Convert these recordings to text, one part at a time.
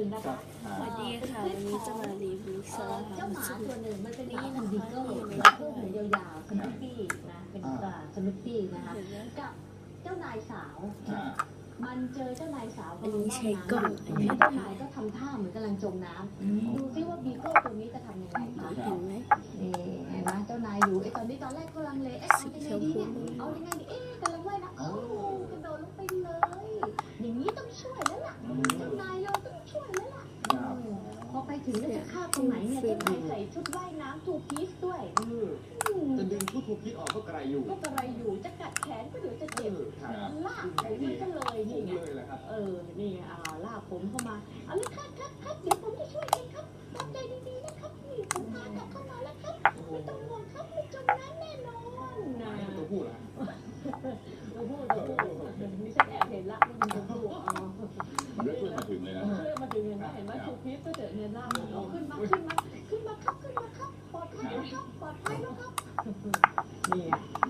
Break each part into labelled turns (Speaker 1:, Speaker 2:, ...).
Speaker 1: นึงนะคะ
Speaker 2: สวัสดีค่ะวันนี้จะมารีวิวสลัด
Speaker 1: เจ้าหมาตัวหนึ่งมันเป็นหมาพันธุ์บีเกิล
Speaker 2: นี่
Speaker 1: ตั
Speaker 2: นะคะ
Speaker 1: วหูยาวๆสนุปปี้นะเป็นสนุปปี้นะคะกับเจ้านายสาวมันเจอเจ้านายสาว
Speaker 2: อันนี้ใช้กล้อง
Speaker 1: เจ้านายก็ทำท่าเหมือนกำลังจมน้ำดูซิว่าบีเกิลตัวนี้จะทำยังไงคะ
Speaker 2: เห็นไหม
Speaker 1: นี่เห็นไหมเจ้านายอยู่ตอนแรกก็ลังเลเอายังไงดีเนี่ยเอายังไงดีกำลังว่ายน้ำกระโดดลงไปเลยอย่างนี้ต้องช่วยแล้วล่ะเจ้านายเราต้องช่วยแล้วล่ะพอไปถึงแล้วจะฆ่าตรงไหนเนี่ยเจ้านายใส่ชุดว่ายน้ำทูพีซด้วย
Speaker 3: จะดึงชุดทูพีซออกก็ไกลอยู่
Speaker 1: จะกัดแขนก็เดี๋ยวจะเจ็บลากผมมันก็เลยนี่ไงนี่ลากผมเข้ามาเอาเลยครับเดี๋ยวผมจะช่วยเองครับตั้งใจดีๆนะครับนี่ผมพากลับเข้ามาแล้วครับไม่ต้องห่วงครับไม่จมน้ำแน่นอนนะ
Speaker 3: ตัวผู้ล่ะ
Speaker 1: ตัวผู้นี่ฉันแอบเห็นละว่ามันตัวผู้
Speaker 3: เรื่องมาถึงเลยนะ
Speaker 1: เรื่องมาถึงเห็นไหมทูพีซก็เจอเงินล่างขึ้นมาครับปลอดภัยแล้วครับนี่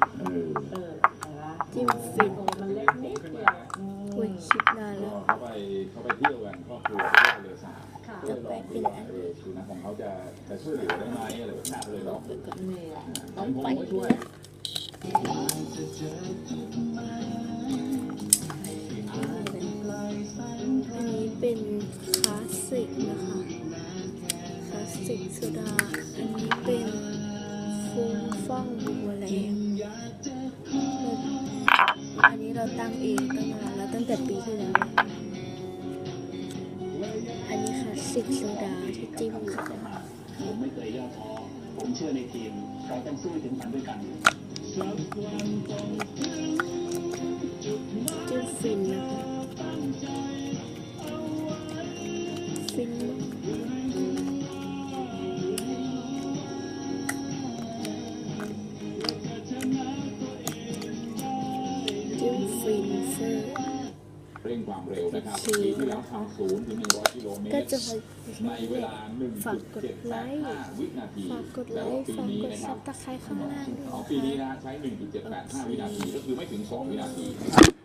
Speaker 2: จิ้มฟิน
Speaker 1: มันเล็กนิดเดียว
Speaker 2: คุยคลิปนานแล้ว
Speaker 3: เขาไปเที่ยวกันครอบครัวไปเที่ยวทะเลสาบ
Speaker 2: จะไปเป็นอัน
Speaker 3: สุนัขของเขาจะช่วยเหลือได้ไหมอะไรแบบนี้เลยหรอก
Speaker 2: ต้องไป
Speaker 3: ผมก็ช่วย
Speaker 2: อันนี้เป็นคลาสสิกนะคะคลาสสิกโซดาอันนี้เป็นฟุ้งฟ่องบัวแรงอันนี้เราตั้งเองตั้งนานแล้วตั้งแต่ปีที่แล้วอันนี้คลาสสิกโซดาที่จิ้มนะคะ
Speaker 4: ผมไม่เคยย่อท้อผมเชื่อในทีมเราต้องสู้ถึงฝันด้วยกัน
Speaker 2: จิ้มฟินนะคะฟินจิ้มฟินเฟอร์
Speaker 3: เร่งความเร็วนะครับปีที่แล้วทำ0 ถึง 100 กิโลเมตร
Speaker 2: ก็จะมา
Speaker 3: ในเวลา
Speaker 2: ฝากกดไลค์
Speaker 3: 1.785 วินาที
Speaker 2: ฝากกดไลค์ฝากกดซับตะไคร้ข้างล่างด้วย
Speaker 3: ของปีนี้นะใช้ 1.785 วินาทีก็คือไม่ถึง 2 วินาที